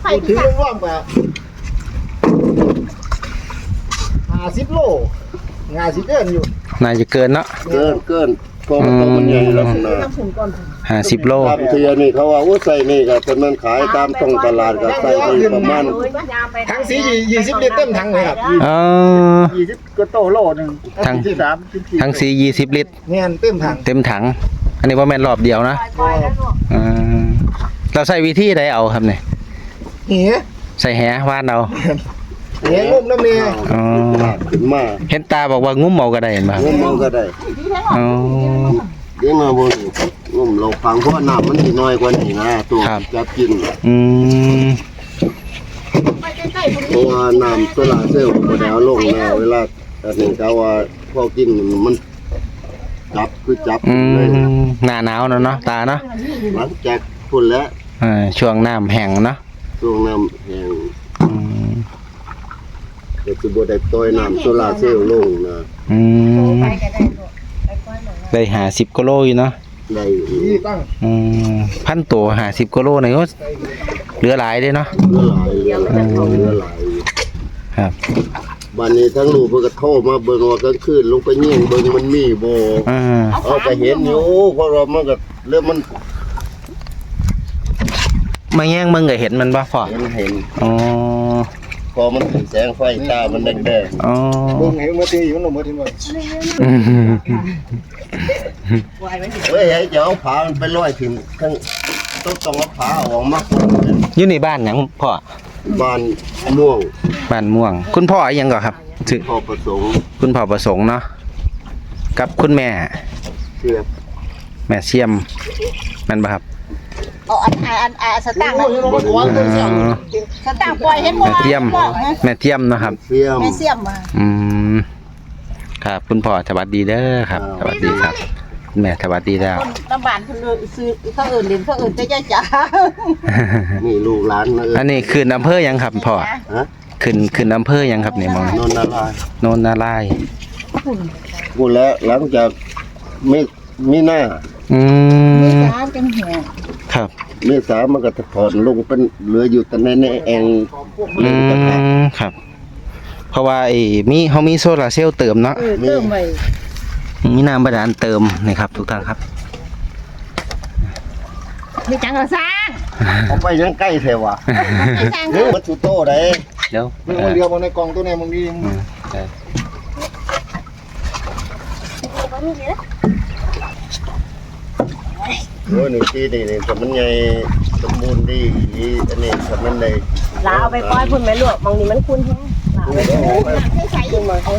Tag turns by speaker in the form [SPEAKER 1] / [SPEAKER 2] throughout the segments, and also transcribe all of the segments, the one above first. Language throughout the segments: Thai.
[SPEAKER 1] ถือร่วมกับ50 โลงานสิเกินอยู่
[SPEAKER 2] น่าจะเกินเนาะ
[SPEAKER 3] เกินพอมันโตมันใหญ่ลักษณะ
[SPEAKER 2] 50 โล
[SPEAKER 3] ตามเทียนี่เขาว่าใส่นี่ก็ตอนนั้นขายตามท้องตลาดก็ใส่ไปประมาณ
[SPEAKER 1] ทั้งสี20 ลิตรเต็มถังเลยครับ20ก็โตโลนึง
[SPEAKER 2] ทั้งสี20 ลิตร
[SPEAKER 1] เนี่ยเต็ม
[SPEAKER 2] ถังอันนี้ว่าแม่นรอบเดียวนะเราใส่วิธีใดเอาครับเนี่ยใส่แหว่านเอา
[SPEAKER 1] แหงุ้มน้ำเนี่ย
[SPEAKER 3] ขึ้นมา
[SPEAKER 2] เห็นตาบอกว่างุ้มเอาก็ได้เห็นป่ะ
[SPEAKER 3] งุ้มเอาก็ได้เลี้ยงมาบนงุ้มเราฟังเพราะน้ำมันน้อยกว่านี้นะตัวจะกินเพราะว่าน้ำโซลาเซลล์พอดาวลงแล้วเวลาแต่หนึ่งเขาว่าพอกินมันจับเลย
[SPEAKER 2] หน้าหนาวเนาะตาเนาะ
[SPEAKER 3] หลังจากพุ่นแล้ว
[SPEAKER 2] ช่วงน้ำแห้งเนาะ
[SPEAKER 3] ช่วงน้ำแห้งก็จะบดได้ต้อยน้ำโซลาเซลล์ลงนะ
[SPEAKER 2] ได้50 กิโลอยู่เนาะ
[SPEAKER 3] ได้
[SPEAKER 2] พันตัว50 กิโลเนี่ยก็เหลือหลายเลยเนาะ
[SPEAKER 3] เหลือหลาย
[SPEAKER 2] ครับ
[SPEAKER 3] วันนี้ทั้งลูกเพิ่งก็โทรมาเบิ่งว่ากลางคืนลงไปเงี้ยเบิ่งมันมีบ่เอาไปเห็นอยู่เพราะเรามันก็เริ่มมัน
[SPEAKER 2] มาแย่งมึงก็เห็นมันบ่พอ
[SPEAKER 3] เห็น
[SPEAKER 2] อ๋อ
[SPEAKER 3] พอมันถึงแสงไฟตามันแดง
[SPEAKER 2] อ๋อ
[SPEAKER 1] เบิ่งเห็นเมื่อตีอยู่ลงเมื่อทีมัน
[SPEAKER 3] เฮ้ยให้เจ้าผามันไปลอยถึงทั้งต้องเอาผาออกมา
[SPEAKER 2] อยู่ในบ้านหยังพ่อ
[SPEAKER 3] บ้านม่วง
[SPEAKER 2] คุณพ่อยังก่อนครับ
[SPEAKER 3] พ่อประสงค์
[SPEAKER 2] คุณพ่อประสงค์เนาะกับคุณแม่
[SPEAKER 3] เสียม
[SPEAKER 2] แม่เสียมนั่นป่ะครับ
[SPEAKER 4] สตางค์สตางค์ปล่อยเห็นบ่
[SPEAKER 2] แม่เทียมนะครับ
[SPEAKER 4] แม่เสียม
[SPEAKER 2] ครับคุณพ่อสวัสดีเด้อครับสวัสดีครับแม่สวัสดีแล้ว
[SPEAKER 4] น้ำบานเพิ่นซื้อเขาเอิ้นเล่นเขาเอิ้นแต่ย่าจ๋า
[SPEAKER 3] นี่ลูกหลาน
[SPEAKER 2] อันนี้ขึ้นอำเภอยังครับพ่อขึ้นอำเภอยังครับนี่มอง
[SPEAKER 3] โนน
[SPEAKER 2] นาราย
[SPEAKER 3] พูดแล้วหลังจากมีหน้า
[SPEAKER 4] เมษาจังแหง
[SPEAKER 2] ครับ
[SPEAKER 3] เมษามันก็ถอนลงเป็นเหลืออยู่แต่ในแอง
[SPEAKER 2] ครับเพราะว่าเขามีโซลาร์เซลล์เติมเนาะ
[SPEAKER 4] เติมไว้
[SPEAKER 2] มีน้ำบาดาลเติมนี่ครับทุกท่านครับ
[SPEAKER 4] มีจังก็สร้าง
[SPEAKER 3] เอาไปยังใกล้แท้ว่ะวัตถุโตได้
[SPEAKER 2] เดี๋ยว
[SPEAKER 1] มันเดียวมันในกล่องตัวนี้มันมี
[SPEAKER 3] โอ้ยหนึ่งที่นี่แต่มันใหญ่สมบูรณ์ดีอันนี้ทำมันได้
[SPEAKER 4] ลาเอาไปปล่อยพุ่นแม่ลูกมองนี่มันคุ้นแท้ลาเอาไปใส่ขึ้นมาเขา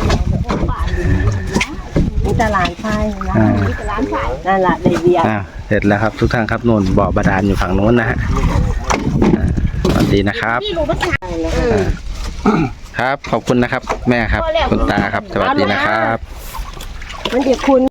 [SPEAKER 4] นี่ตลาดไฟนะนี่ตลาดไฟนั่นแหละได้เบียร์
[SPEAKER 2] เสร็จแล้วครับทุกท่านครับโน่นบ่อบาดาลอยู่ฝั่งโน้นนะฮะสวัสดีนะครับครับขอบคุณนะครับแม่ครับคุณตาครับสวัสดีนะครับ
[SPEAKER 4] มันจะคุณ